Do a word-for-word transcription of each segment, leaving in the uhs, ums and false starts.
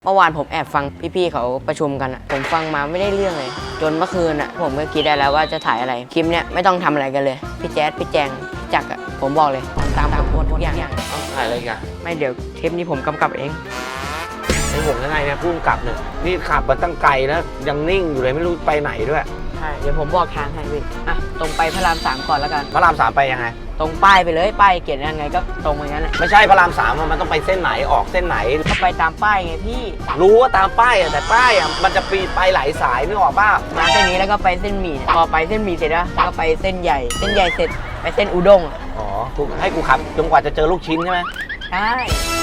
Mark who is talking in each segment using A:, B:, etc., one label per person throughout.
A: เมื่อวานผมแอบฟังพี่ๆเขาประชุมกันอะผมฟังมาไม่ได้เรื่องเลยจนเมื่อคืนอะผมก็คิดได้แล้วว่าจะถ่ายอะไรคลิปเนี้ยไม่ต้องทำอะไรกันเลยพี่แจ๊ดพี่แจงพี่จักรอะผมบอกเลยตามตามทุกอย่าง
B: ต้องถ่ายอะไรกัน
A: ไม่เดี๋ยวเทปนี้ผมกำกับเอง
B: ไอ้ผมยังไงเนี่ยพุ่งกลับเนี่ยนี่ขับมาตั้งไกลแล้วยังนิ่งอยู่เลยไม่รู้ไปไหนด้วย
A: ใช่เดี๋ยวผมบอกทางให้พี่อ่ะตรงไปพระรามสามก่อนแล้วกัน
B: พระรามสามไปยังไง
A: ตรงป้ายไปเลยป้ายเขียนยังไงก็ตรงอย่างนั้นแหละ
B: ไม่ใช่พระรามสามมันต้องไปเส้นไหนออกเส้นไหน
A: ก็ไปตามป้ายไงพี่
B: รู้ว่าตามป้ายอะแต่ป้ายอะมันจะปีไปหลายสายนึกออกป่ะ
A: มาเส้นนี้แล้วก็ไปเส้นหมี่พอไปเส้นหมี่เสร็จแล้วก็ไปเส้นใหญ่เส้นใหญ่เสร็จไปเส้นอุด้ง
B: อ๋อกูให้กูขับจนกว่าจะเจอลูกชิ้นใช่ไหม
A: ใช่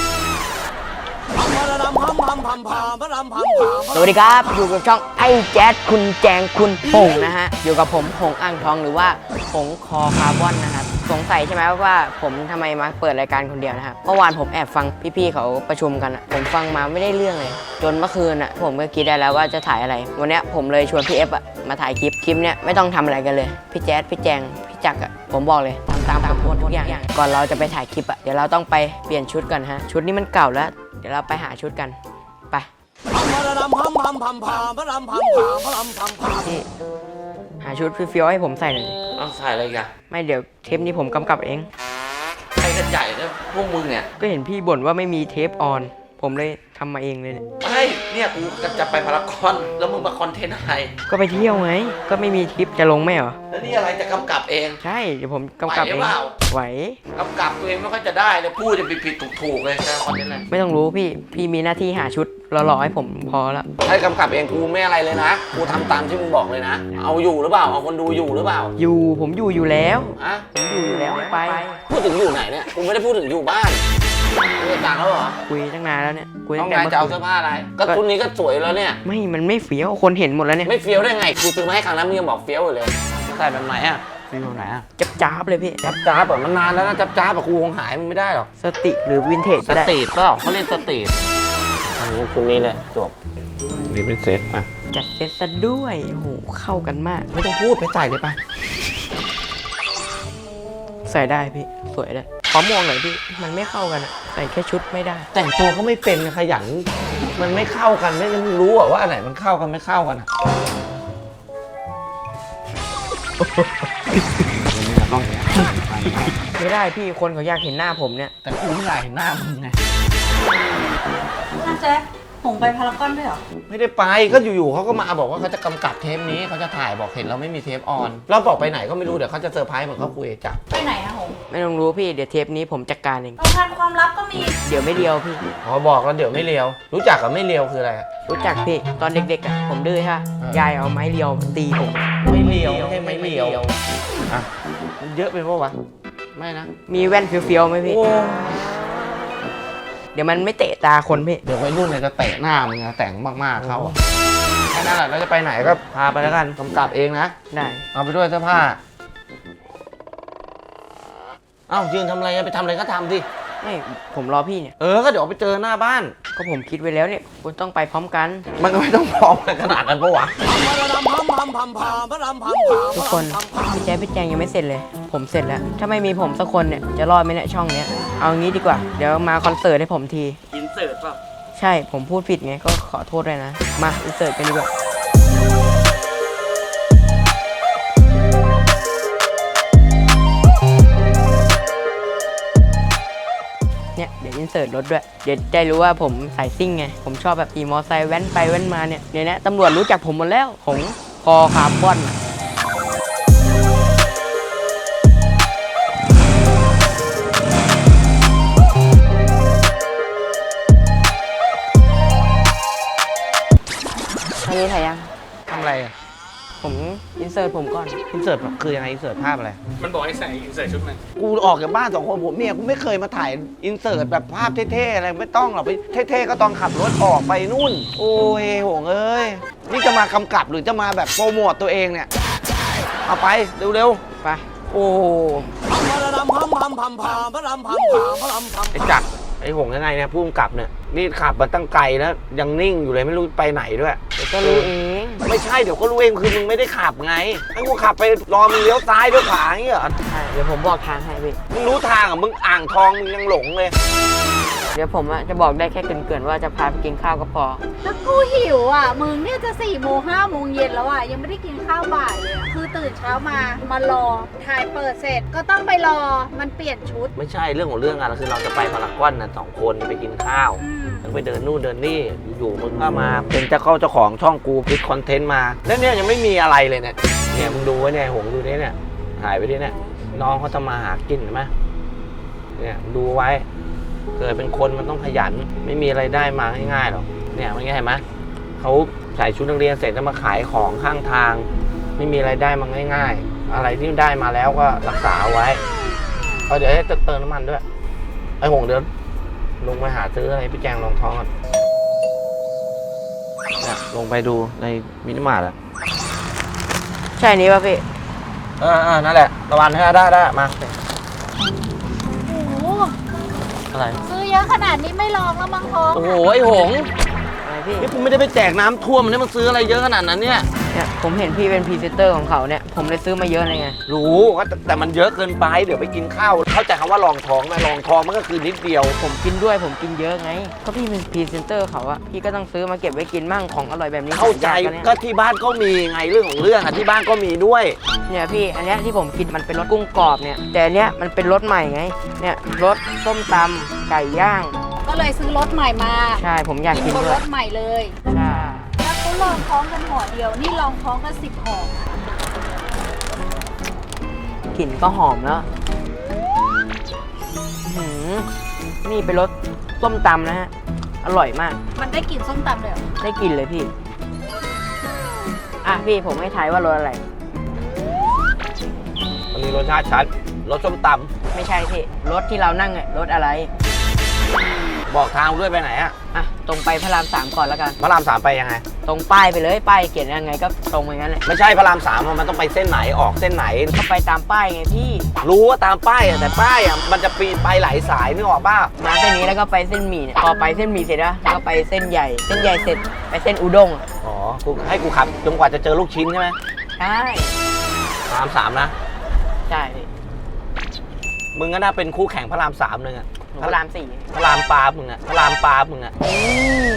A: สวัสดีครับอยู่กับช่องไอ้แจ๊ดคุณแจงคุณหงนะฮะอยู่กับผมหงอ่างทองหรือว่าหงคอคาร์บอนนะครับสงสัยใช่ไหมว่าผมทำไมมาเปิดรายการคนเดียวนะครับเมื่อวานผมแอบฟังพี่ๆเขาประชุมกันอะผมฟังมาไม่ได้เรื่องเลยจนเมื่อคืนอะผมก็คิดได้แล้วว่าจะถ่ายอะไรวันนี้ผมเลยชวนพี่เอฟอะมาถ่ายคลิปคลิปเนี้ยไม่ต้องทำอะไรกันเลยพี่แจ๊ดพี่แจงพี่จักรอะผมบอกเลยตามตามผมทุกอย่างก่อนเราจะไปถ่ายคลิปอะเดี๋ยวเราต้องไปเปลี่ยนชุดกันฮะชุดนี้มันเก่าแล้วเดี๋ยวเราไปหาชุดกันไปพี่หาชุดเฟี้ยวๆให้ผมใส่หน่อย
B: ต้องใส่อะไรกัน
A: ไม่เดี๋ยวเทปนี้ผมกำกับเอง
B: ใครกันใหญ่เนี่ยพวกมึงเนี่ย
A: ก็เห็นพี่บ่นว่าไม่มีเทปออนผมเลยทำมาเองเลยเนี่ย
B: ไม่เนี่ยกูจะไปพารากอนแล้วมึงมาคอนเทนต์อะไร
A: ก็ไปเที่ยวไงก็ไม่มีทริปจะลงไหมเหรอ
B: แล้วนี่อะไรจะกำกับเอง
A: ใช่เดี๋ยวผมกำกับเองไหว
B: กำกับตัวเองไม่ค่อยจะได้เลยพูดจะผิดผิดถูกถูกเลยจะคอนเทนต์อะไร
A: ไม่ต้องรู้พี่พี่มีหน้าที่หาชุดหล่อๆให้ผมพอแล้ว
B: ให้กำกับเองกูไม่อะไรเลยนะกูทำตามที่มึงบอกเลยนะเอาอยู่หรือเปล่าเอาคนดูอยู่หรือเปล่า
A: อยู่ผมอยู่อยู่แล้ว
B: อะ
A: ผมอยู่อยู่แล้วไป
B: พูดถึงอยู่ไหนเนี่ยกูไม่ได้พูดถึงอยู่บ้านคุยต่างแล้วเหรอ
A: คุยตั้งนานแล้วเนี่ยคุย
B: ตั้งนานจะเอาเสื้อผ้าอะไรก็ชุดนี้ก็สวยแล้วเนี่ย
A: ไม่มันไม่เฟี้ยวคนเห็นหมดแล้วเนี่ย
B: ไม่เฟี้ยวได้ไงกูซื้อมาให้ครั้งนั้นมึงยังบอกเฟี้ยวอยู่เลยใส่แบบไหนอ่ะฟี้ยวไหนอ่ะ
A: จับจ้าบเลยพี่
B: จับจ้าบแบบมันนานแล้วนะจับจ้าบแบบกูคงหายมันไม่ได้หรอก
A: สติหรือวินเทจ
B: สตรีทก็เขาเรียกสตรีทอันนี้ชุดนี้เลยจบนี่เป็นเซ็ตอ่ะ
A: จัดเซ็ตซะด้วยโหเข้ากันมาก
B: ไม่ต้องพูดไปใส่เลยไป
A: ใส่ได้พี่สวยเลยขอมองหน่อยพี่มันไม่เข้ากันอะใส่แค่ชุดไม่ได้
B: แต่งตัวก็ไม่เป็นขยันมันไม่เข้ากันไม่รู้อะว่าอันไหนมันเข้ากันไม่เข้ากันอะ
A: ไม่ได้พี่คนเขาอยากเห็นหน้าผมเนี่ย
B: แต่กูไม่อยากเห็นหน้ามึงไง
C: น่าแจ๊คผมไปพารากอนด้วยเหรอ
B: ไม่ได้ไปก็อยู่ๆเขาก็มาบอกว่าเขาจะกำกับเทปนี้เขาจะถ่ายบอกเห็นเราไม่มีเทปออนเราบอกไปไหนก็ไม่รู้เดี๋ยวเขาจะเซอร์ไพรส์เหมือนเขาคุยจับ
C: ไปไหนอะหง
A: ไม่ต้องรู้พี่เดี๋ยวเทปนี้ผมจัดการเอง
C: ต้องการความลับก็มี
A: เดี๋ยวไม่เลียวพี่
B: อ๋อบอกแล้วเดี๋ยวไม่เลียวรู้จักกับไม่เลียวคืออะไร
A: รู้จักพี่ตอนเด็กๆอะผมดื้อฮะยายเอาไม้เลียวตีผม
B: ไม่เลียวไม่ใช่ไม่เลียวอ่ะมันเยอะไปปะวะไม่นะ
A: มีแว่นเฟี้ยวๆไหมพี่เดี๋ยวมันไม่เตะตาคนพี่
B: เดี๋ยววัยรุ่นเนี่ยจะเตะหน้ามึงนะแต่งมากๆเขาแค่นั้นแหละแล้วจะไปไหนก็พาไปแล้วกันกำกับเองนะ
A: ได้
B: เอาไปด้วยเสื้อผ้าเอ้ายืนทำอะไรไปทำอะไรก็ทำสิ
A: ไม่ผมรอพี่เนี่ย
B: เออก็เดี๋ยวไปเจอหน้าบ้าน
A: ก็ผมคิดไว้แล้วเนี่ยคุณต้องไปพร้อมกัน
B: มันก็ไม่ต้องพร้อมกันขนาดนั้นปะวะ
A: ทุกคนพี่แจ๊คพี่แจงยังไม่เสร็จเลยผมเสร็จแล้วถ้าไม่มีผมสักคนเนี่ยจะรอดไหมเนี่ยช่องเนี้ยเอางี้ดีกว่าเดี๋ยวมาคอนเสิร์ตให้ผมที
B: อินเสิร์ตป่ะ
A: ใช่ผมพูดผิดไงก็ขอโทษด้วยนะมาอินเสิร์ตกันดีกว่าเนี่ยเดี๋ยวอินเสิร์ตรถด้วยเดี๋ยวได้รู้ว่าผมสายซิ่งไงผมชอบแบบขี่มอไซค์แว้นไปแว้นมาเนี่ยเดี๋ยวนี้ตำรวจรู้จักผมหมดแล้วผมคอคาร์บอนอันนี้ถ่ายยัง
B: ทำอะไรอ่ะ
A: ผมอินเสิร์ตผมก่อน
B: อินเสิร์ตคือยังไงอินเสิร์ตภาพอะไร
D: มันบอกให้ใส่อินเสิร์ตชุดมัน
B: กูออกจากบ้านสองคนผมเมียกูไม่เคยมาถ่ายอินเสิร์ตแบบภาพเท่ๆอะไรไม่ต้องหรอกไปเท่ๆก็ตอนขับรถออกไปนู่นโอ้ยโหงเอ้ยนี่จะมากำกับหรือจะมาแบบโปรโมทตัวเองเนี่ยเอาไปเร็ว
A: ๆไป
B: โอ้ไอ้จักรไอ้หงยังไงเนี่ยพุ่งกลับเนี่ยนี่ขับมาตั้งไกลแล้วยังนิ่งอยู่เลยไม่รู้ไปไหนด้วย
A: เดี๋ยวก็รู้เอง
B: ไม่ใช่เดี๋ยวก็รู้เองคือมึงไม่ได้ขับไงให้กูขับไปรอมึงเลี้ยวซ้ายเลี้ยวขวาอย่างเงี้ยเหรอ
A: ใช่เดี๋ยวผมบอกทางให้พี่
B: มึงรู้ทางอ่ะมึงอ่างทองมึงยังหลงเลย
A: ดี๋ยวผมอะจะบอกได้แค่เกริ่นๆว่าจะพาไปกินข้าวก็พอ
C: แล้วกูหิวอ่ะมึงเนี่ยจะสี่โมงห้าโมงเย็นแล้วอ่ะยังไม่ได้กินข้าวบ่ายเลยอะคือตื่นเช้ามามารอถ่ายเปิดเสร็จก็ต้องไปรอมันเปลี่ยนชุด
B: ไม่ใช่เรื่องของเรื่องอะคือเราจะไปพารากอนนะสองคนไปกินข้าว
C: อืม
B: แล้วไปเดินนู่นเดินนี่อยู่ๆมึงก็มาเป็นเจ้าเข้าเจ้าของช่องกูคิดคอนเทนต์มาแล้วเนี่ยยังไม่มีอะไรเลยเนี่ยเนี่ยมึงดูไว้เนี่ยหงดูเนี่ยเนี่ยถ่ายไปดิเนี่ยน้องเขาจะมาหากินเห็นไหมเนี่ยดูไว้เกิดเป็นคนมันต้องขยันไม่มีอะไรได้มาง่ายๆหรอกเนี่ยมันเห็นไหมเขาใส่ชุดนักเรียนเสร็จแล้วมาขายของข้างทาง ไม่มีอะไรได้มาง่ายๆอะไรที่ได้มาแล้วก็รักษาเอาไว้เอาเดี๋ยวให้เติมน้ำมันด้วยไอ้หงเดี๋ยวลงไปหาซื้ออะไรพี่แจงรองท้องก่อนเนี่ยลงไปดูในมินิมาร์ทอะ
A: ใช่นี้ป่ะพี่
B: เออเออนั่นแหละระวังให้ได้ได้มา
C: โอ้โห
B: อะไร
C: ซื้อเยอะขนาดนี้ไม่ลองแล้วมั้งท้อง
B: โอ้โหไอ้หง
A: อะไรพี่
B: นี่คุณไม่ได้ไปแจกน้ำท่วมมันนี่มันซื้ออะไรเยอะขนาดนั้นเนี่ย
A: เนี่ยผมเห็นพี่เป็นพรีเซนเตอร์ของเขาเนี่ยผมเลยซื้อมาเยอะเลยไง
B: รู้ว่าแต่แต่มันเยอะเกินไปเดี๋ยวไปกินข้าวเข้าใจคำว่าลองท้องไหมลองท้องมันก็คือนิดเดียว
A: ผมกินด้วยผมกินเยอะไงก็พี่เป็นพรีเซนเตอร์เขาอะพี่ก็ต้องซื้อมาเก็บไว้กินมั่งของอร่อยแบบนี้
B: เข้าใจ
A: ผมอยนี่ย
B: ก็ที่บ้านก็มีไงเรื่องของเรื่องอ่ะที่บ้านก็มีด้วย
A: เนี่ยพี่อันเนี้ยที่ผมกินมันเป็นรสกุ้งกรอบเนี่ยแต่อันเนี้ยมันเป็นรสใหม่ไงเนี่ยรสส้มตำไก่ย่าง
C: ก็เลยซื้อรถใหม่มา
A: ใช่ผมอยากกิน
C: บน
A: ด้
C: ร
A: วย
C: ถใหม่เลย
A: ใช่
C: แล้วเขาลองท้องกันห่อเดียว นี่ลองท้องกันสิบห่อก
A: ลิ่นก็หอมแล้วอื้อหือนี่เป็นรสส้มตำนะฮะอร่อยมาก
C: มันได้กลิ่นส้มตำเลยเหรอ
A: ได้กลิ่นเลยพี่อ่ะพี่ผมให้ทายว่ารสอะไร
B: มันมีรสชาติชัดรสส้มต
A: ไม่ใช่พี่รถที่เรานั่งอะรถอะไร
B: ำบอกทางด้วยไปไหนอ่ะ
A: อ่ะตรงไปพระรามสามก่อนแล้วกัน
B: พระรามสามไปยังไง
A: ตรงป้ายไปเลยป้ายเขียนยังไงก็ตรงไปงั้นแหละ
B: ไม่ใช่พระรามสามอะมันต้องไปเส้นไหนออกเส้นไหน
A: ก็ไปตามป้ายไงพี่
B: รู้ว่าตามป้ายอะแต่ป้ายอะมันจะปีนไปหลายสายนึกออกป่ะ
A: มาเส้นนี้แล้วก็ไปเส้นหมี่เนี่ยพอไปเส้นหมี่เสร็จแล้วแล้วก็ไปเส้นใหญ่ เส้นใหญ่เสร็จไปเส้นอุด้งอะ
B: อ๋อกูให้กูขับจนกว่าจะเจอลูกชิ้นใช่ไหม
A: ใช่
B: พระรามสามนะ
A: ใช่พี่
B: มึงก็น่าเป็นคู่แข่งพระรามสามเลยอะ
A: พระรามสี่
B: พระรามปาบมึงอะพระรามปาบมึงอะ
A: อืม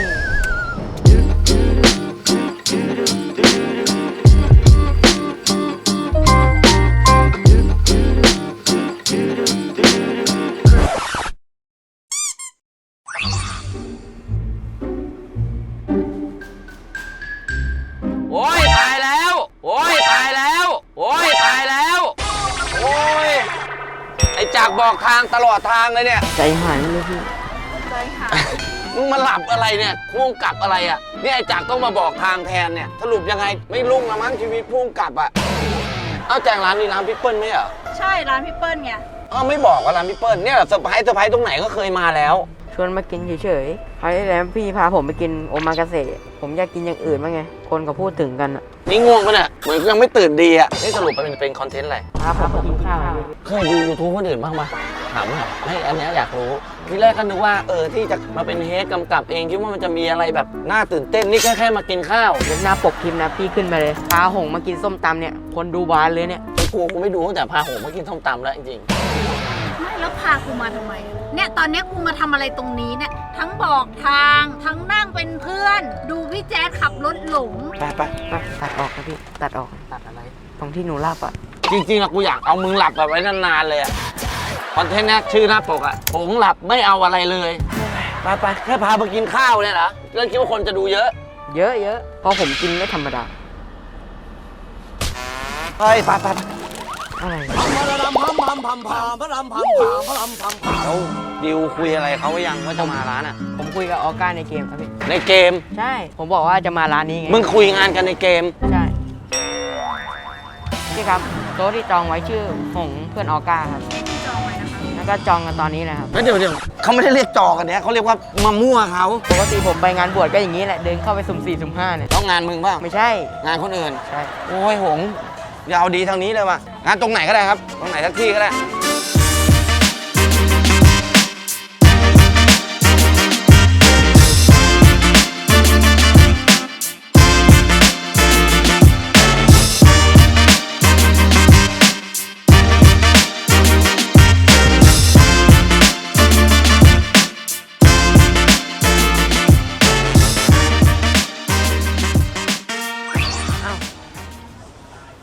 B: โอ้ยตายแล้วโอ้ยตายแล้วโอ้ยตายแล้วโอ้ยไอ้จากบอกทางตลอดทางเลยเนี่ย
A: ใจหายเลยพี่
C: ใจหาย
B: มึงมาหลับอะไรเนี่ยพุ่งกลับอะไรอ่ะเนี่ยไอ้จากต้องมาบอกทางแทนเนี่ยสรุปยังไงไม่รุ่งละมั้งชีวิตพุ่งกลับอ่ะเอาแจงร้านนี้ร้านพี่เปิ้ลไหมเหรอ
C: ใช่ร้านพี่เปิ้ลไง
B: อ้าวไม่บอกว่าร้านพี่เปิ้ลเนี่ยเซอร์ไพรส์เซอร์ไพรส์ตรงไหนก็เคยมาแล้ว
A: ชวนมากินเฉยๆคราวที่แล้วพี่พาผมไปกินโอมากาเสะผมอยากกินอย่างอื่นบ้างไง คนเขาพูดถึงกันอะ
B: นี่ง่วงปะเนี่ยเหมือนยังไม่ตื่นดีอ่ะนี่สรุปมันเป็นคอนเทนต์อะไร
A: พาผมไปกินข้าว
B: เคยดูยูทูบคนอื่นบ้างปะถามหน่อยไม่อันเนี้ยอยากรู้ทีแรกก็นึกว่าเออที่จะมาเป็นเฮดกำกับเองคิดว่ามันจะมีอะไรแบบน่าตื่นเต้นนี่แค่แค่มากินข้าว
A: เดี๋ยวหน้าปกคลิปนะพี่ขึ้นมาเลยพาหงมากินส้มตำเนี่ยคนดูบานเลยเนี่ย
B: ไอ้กูกูไม่ดูตั้งแต่พาหงมากินส้มตำแล้วจริง
C: ไม่แล้วพากูมาทำไม เนี่ยตอนเนี้ยกูมาทำอะไรตรงนี้เนี่ย ทั้งบอกทาง ทั้งนั่งเป็นเพื่อน ดูพี่แจ๊ดขับรถหลง
B: ๆไปไป
A: ไปตัดออกครับพี่ตัดออก
B: ตัดอะไร
A: ตรงที่หนูหลับอะ
B: จริงๆอะกูอยากเอามึงหลับแบบไว้นานๆเลยอะคอนเทนต์เนี้ยชื่อหน้าปกอะหงหลับไม่เอาอะไรเลยไปไปแค่พามากินข้าวเนี่ยเหรอเรื่องคิดว่าคนจะดูเยอะ
A: เยอะเยอะเพราะผมกินไม่ธรรมดา
B: เฮ้ยไปไปไป
A: อะไร
B: แล้วดิวคุยอะไรเขาไว้ยังว่าจะมาร้านอะ
A: ผมคุยกับออก้าในเกมครับพี่
B: ในเกม
A: ใช่ ผมบอกว่าจะมาร้านนี้ไง
B: มึงคุยงานกันในเกม
A: ใช่พี่ครับโต๊ะที่จองไว้ชื่อหงเพื่อนออก้าครับ
C: จองไว้นะคะ
A: แล้วก็จองกันตอนนี้เลยครับ
B: แล้วเดี๋ยวเดี๋ยวเขาไม่ได้เรียกจอกันเนี้ยเขาเรียกว่ามามั่วเขา
A: ปกติผมไปงานบวชก็อย่างนี้แหละเดินเข้าไปสุ่มสี่สุ่มห้าเนี่ย
B: ต้องงานมึงเปล่า
A: ไม่ใช่
B: งานคนอื่น
A: ใช่
B: โอ้ยหงอย่าเอาดีทางนี้เลยว่ะงานตรงไหนก็ได้ครับ ตรงไหนสักที่ก็ได้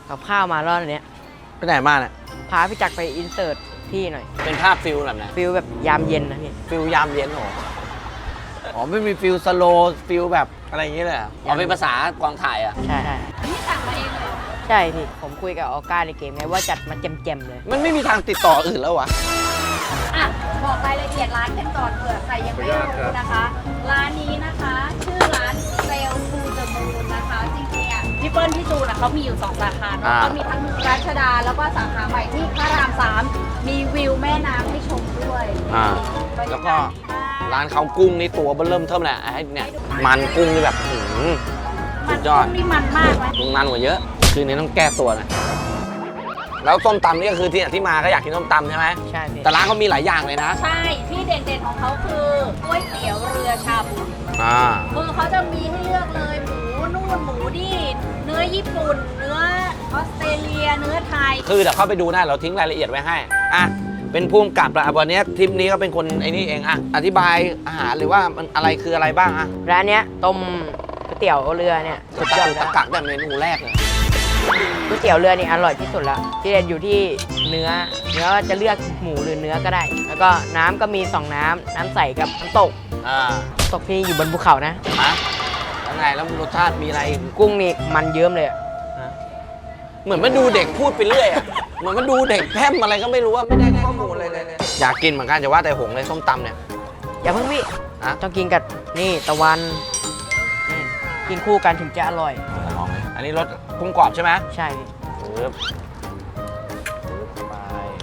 A: กับข้าวมารอบเนี้ย
B: ไปไหนมาเนี่ย
A: พาพี่จักรไปอินเสิร์ตที่หน่อย
B: เป็นภาพฟิลแบบไหน
A: ฟิลแบบยามเย็นนะพี่
B: ฟิลยามเย็นเหรออ๋อไม่มีฟิลสโลว์ฟิลแบบอะไรอย่างเงี้ยเลยเหรออ๋อเป็นภาษากองถ่ายอ่ะ
A: ใช่ใช่
C: นี่สั่งมาเองเลยเหรอ
A: ใช่พี่ผมคุยกับออก้าในเกมไงว่าจัดมาแจมๆเลย
B: มันไม่มีทางติดต่ออื่นแล้ววะ
C: อ่ะบอกรายละเอียดร้านกันก่อนเผื่อใครยังไม่รู้นะคะ ร้านนี้นะคะ ชื่อร้านเซลฟูเดอะมูนนะคะ จริงๆอ่ะพี่เปิ้ลพี่จูนอ่ะเขามีอยู่สองสาขาเนาะ
B: อ่า
C: เขามีทั้งรัชดาแล้วก็สาขาใหม่ที่พระรามสามมีวิวแม่น้ำให้ชมด้วย
B: อ่า
C: บรร
B: แล้
C: ยาว
B: ก็
C: กาศดีมาก
B: ร้านเขากุ้งนี่ตัวเบิ่มเริ่มเทิมแหละไอ้เนี่ยมันกุ้งนี่แบบหืม
C: มัน
B: สุดยอด
C: นี่มันมากไหม
B: มึงมันกว่าเยอะ คืนนี้ต้องแก้ตัวนะแล้วส้มตำนี่ก็คือที่ที่มาก็อยากกินส้มตำใช่ไหม
A: ใช่พี่
B: แต่ร้านเขามีหลายอย่างเลยนะ
C: ใช่ ที่เด่นๆของเขาคือก๋วยเตี๋ยวเรือชาบู
B: อ่า
C: คือเขาจะมีให้เลือกเลยหมูนู่นหมูนี่เนื้อญี่ปุ่น เนื้อออสเตรเลีย เนื้อไทย
B: คือเดี๋ยวเข้าไปดูได้เราทิ้งรายละเอียดไว้ให้ อ่ะ เป็นผู้กำกับละวันนี้ทริปนี้ก็เป็นคนไอ้นี่เองอ่ะ อธิบายอาหารหรือว่ามันอะไรคืออะไรบ้างอ่ะ
A: ร้านเนี้ยต้มก๋วยเตี๋ยวเรือเนี่ยสุดยอด
B: ตะ
A: แล้ว
B: กักแต่เมนูแรกเลย
A: ก๋วยเตี๋ยวเรือนี่อร่อยที่สุดแล้วที่เด็ดอยู่ที่เนื้อ เนื้อจะเลือกหมูหรือเนื้อก็ได้ แล้วก็น้ำก็มีสองน้ำน้ำใสกับน้ำตก
B: อ่า
A: น้ำตกที่อยู่บนภูเขานะ
B: ฮะแล้วไงแล้วรสชาติมีอะไรอีก
A: กุ้งนี่มันเยิ้มเลยอะ
B: ฮะเหมือนมันดูเด็กพูดไปเรื่อยอ่ะ เหมือนมันดูเด็กแพร่มอะไรก็ไม่รู้ว่าไม่ได้ข้อมูลอะไรเลยอยากกินเหมือนกันจะว่าแต่หงเลยส้มตำเนี่ย
A: อย่าเพิ่งพี่
B: ฮะ
A: ต้องกินกับนี่ตะวันนี่กินคู่กันถึงจะอร่อย
B: ลองเลยอันนี้รสกุ้งกรอบใช่ไหม
A: ใช่พี่
B: ปึ๊บปึ๊บไป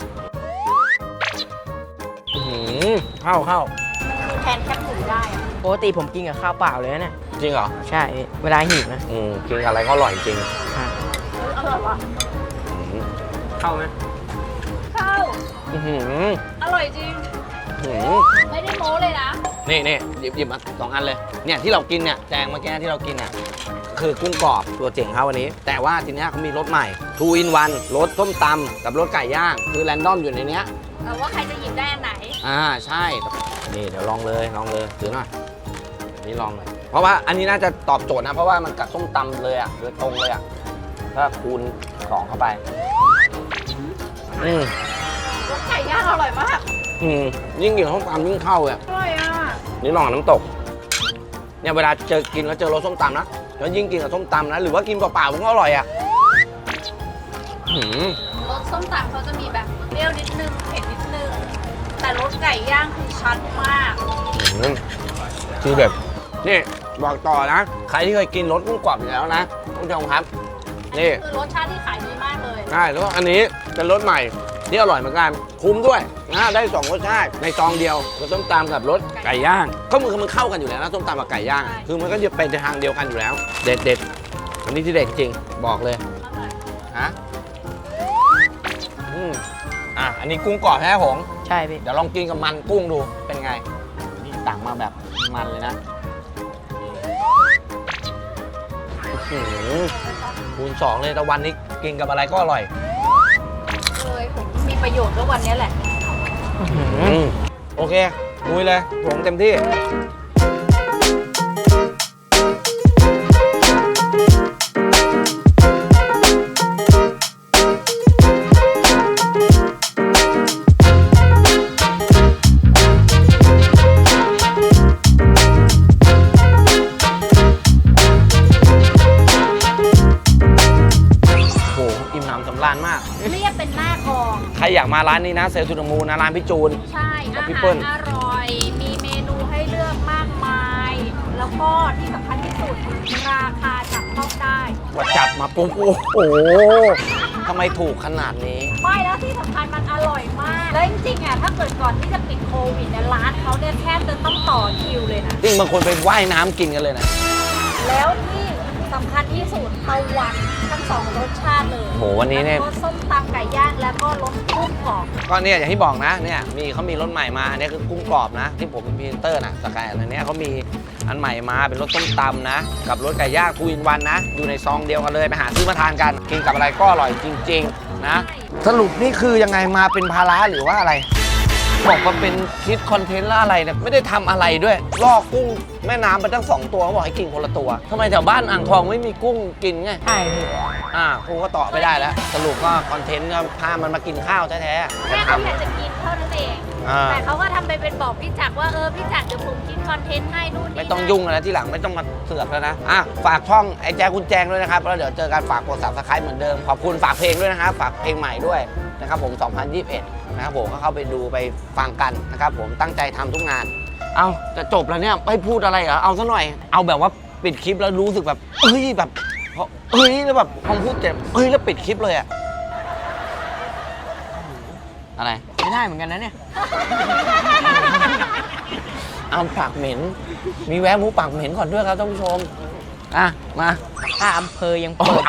B: อื้อหือเข้าเข้า
C: คือแทนแคปหมูได้อะ
A: ปกติผมกินกับข้าวเปล่าเลยนะเนี่ย
B: จริงเหรอ
A: ใช่พี่เวลาหิวนะ
B: อืมกินกับอะไรก็อร่อยจริง
A: ครับ
C: อร่อยวะ
B: อื้อหือเข้าไหม
C: ข้าว
B: อื้อหือ
C: อร่อยจริง
B: อื้อหือ
C: ไม่ได้โม้เลยนะ
B: นี่นี่หยิบหยิบมาสองอันเลย เนี่ยที่เรากินเนี่ยแจงเมื่อกี้ที่เรากินเนี่ยคือกุ้งกรอบตัวเจ๋งเขาวันนี้ แต่ว่าทีเนี้ยเขามีรสใหม่ two in one รสส้มตำกับรสไก่ย่าง คือแรนดอมอยู่ในเนี้ย
C: แต่ว่าใครจะหยิบได้อันไหน
B: อ่าใช่ นี่เดี๋ยวลองเลยลองเลยถือหน่อยนี่ลองเลยเพราะว่าอันนี้น่าจะตอบโจทย์นะ เพราะว่ามันกับส้มตำเลยอ่ะโดยตรงเลยอ่ะถ้าคูณสองเข้าไปอืม
C: รสไก่ย่างอร่อยมาก
B: อืมยิ่งกินส้มตำยิ่งเข้าเลยอะ
C: อร่อยอ่ะ
B: นี่ลองกับน้ำตกเนี่ยเวลาเจอกินแล้วเจอรสส้มตำนะแล้วยิ่งกินกับส้มตำนะหรือว่ากินเปล่าๆมันก็อร่อยอ่ะหืม
C: รสส้มตำเขาจะมีแบบเปรี้ยวนิดนึงเผ็ดนิดนึง แต่รสไก่ย่างคือชัดมาก
B: หืมคือแบบนี่บอกต่อนะ ใครที่เคยกินรสกุ้งกรอบอยู่แล้วนะคุณผู้ชมครับ นี่
C: คือรสชาติที่ขายดีมากเลย
B: ใช่แล้วก็อันนี้เป็นรสใหม่ที่อร่อยเหมือนกันคุ้มด้วยนะได้สองรสชาติในซองเดียวรสส้มตำกับรสไก่ย่างก็มันคือมันเข้ากันอยู่แล้วนะส้มตำกับไก่ย่าง คือมันก็จะเป็นทางเดียวกันอยู่แล้ว เด็ดเด็ดอันนี้ที่เด็ดจริงบอกเลยฮะอืมอ่ะอันนี้กุ้งกรอบแท้หง
A: ใช่พี่
B: เดี๋ยวลองกินกับมันกุ้งดูเป็นไงนี่ตักมาแบบมันเลยนะอื้อหือคูณสองเลยแต่วันนี้กินกับอะไรก็อร่อย
C: เลยผมมีประโยชน์ก็วันนี้แหละ
B: อืมโอเคลุยเลยผมเต็มที่ โอ้โหอิ่มหนำสำราญมาก
C: เรียกเป็นหน้ากอง
B: ใครอยากมาร้านนี้นะเซลล์ทูดมูนะร้านพี่จูน
C: ใช่
B: กับ
C: อา
B: พี่
C: หา
B: เปิ้
C: ร
B: ล
C: อร่อย มีเมนูให้เลือกมากมาย แล้วก็ที่สำคัญที่สุด ราคาจับต้องได้
B: ว่าจับมาปุ๊บโอ้โหทำไมถูกขนาดนี้
C: ไม่แล้วที่สำคัญมันอร่อยมาก แล้วจริงๆอ่ะถ้าเกิดก่อนที่จะปิดโควิดเนี่ยร้านเขาเนี่ยแทบจะต้องต่อคิวเลยนะ
B: จริงบางคนไปว่ายน้ำกินกันเลยนะ
C: แล้วที่สำคัญที่สุดตะวันทั้งสองรสชาติเลย
B: โหวันนี้เนี่ย
C: รสส้มตำไก่ย่างแล้วก็รสกุ้งกรอบ
B: ก็เนี่ยอย่างที่บอกนะเนี่ยมีเขามีรสใหม่มาอันนี้คือกุ้งกรอบนะ ที่ผมเป็นพรีเซนเตอร์นะสกายอันเนี้ยเขามีอันใหม่มาเป็นรสส้มตำนะ กับรสไก่ย่างทูอินวันนะ อยู่ในซองเดียวกันเลยไปหาซื้อมาทานกัน กินกับอะไรก็อร่อยจริง ๆ นะ สรุปนี่คือยังไงมาเป็นภาระหรือว่าอะไร บอกว่าเป็นคิดคอนเทนต์แล้วอะไรเนี่ยไม่ได้ทำอะไรด้วยล่อกุ้งแม่น้ำไปตั้งสองตัวเขาบอกให้กินคนละตัวทำไมแถวบ้านอ่างทองไม่มีกุ้งกินไง
A: ใช่พี่
B: ฮอ่ากูก็ต่อไม่ได้แล้ว สรุปก็คอนเทนต์ก็พามันมากินข้าวแท้ๆ
C: แค่
B: จะ
C: เขา
B: ทำ
C: อยากจะกินเท่านั้นเอง
B: อ่า
C: แต่เขาก็ทำไปเป็นบอกพี่จักรว่าเออพี่จักรเดี๋ยวผมคิดคอนเทนต์ให้นู่นนี่
B: ไม่ต้องยุ่งแล้วที่หลังไม่ต้องมาเสือกแล้วนะ อ่ะ ฝากช่องไอ้แจคุณแจงด้วยนะครับ แล้วเดี๋ยวเจอกันฝากกด ซับสไครบ์ เหมือนเดิม ขอบคุณฝากเพลงด้วยนะครับ ฝากเพลงใหม่ด้วยนะครับผม สองพันยี่สิบเอ็ด นะครับผมก็เข้าไปดูไปฟังกันนะครับผมตั้งใจทำทุกงาน เอาจะจบแล้วเนี่ยไม่พูดอะไรเหรอ เอาซะหน่อย เอาแบบว่าปิดคลิปแล้วรู้สึกแบบเฮ้ยแบบเพราะเฮ้ยแล้วแบบพอพูดเจ็บเฮ้ยแล้วปิดคลิปเลยอะอะไร
A: ไม่ได้เหมือนกันนะเนี่ย
B: เอาปากเหม็น มีแวะหมูปากเหม็นก่อนด้วยครับท่านผู้ชม อ่ะ มา
A: ถ้าอำเภอยังเปิด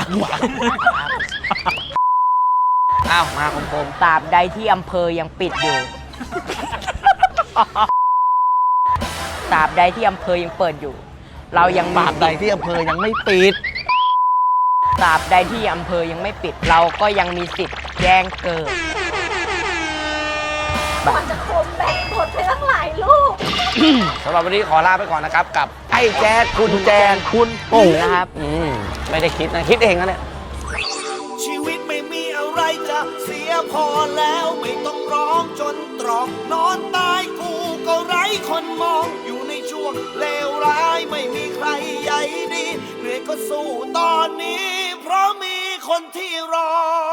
B: อ้าวมาคมคม
A: ตราบใดที่อำเภอยังปิดอยู่ ตราบใดที่อำเภอยังเปิดอยู่ เรายังมี
B: ปากใดที่อำเภอยังไม่ปิด
A: ตราบใดที่อำเภอยังไม่ปิด เราก็ยังมีสิทธิ์แจ้งเกิด
C: มันจะคมแบ่งกดไปตั้งหลายลูก
B: สำหรับวันนี้ขอลาไปก่อนนะครับ กับไอ้แจ๊ดคุณแจง
A: คุณปุ่งนะครับ
B: อืมไม่ได้คิดนะ คิดเองนะเนี่ย
D: ชีวิตไม่มีอะไรจะเสียพอแล้วไม่ต้องร้องจนตรอกนอนตายกูก็ไร้คนมองอยู่ในช่วงเลวร้ายไม่มีใครใหญ่ดีเหนื่อยก็สู้ตอนนี้ เพราะมีคนที่รอ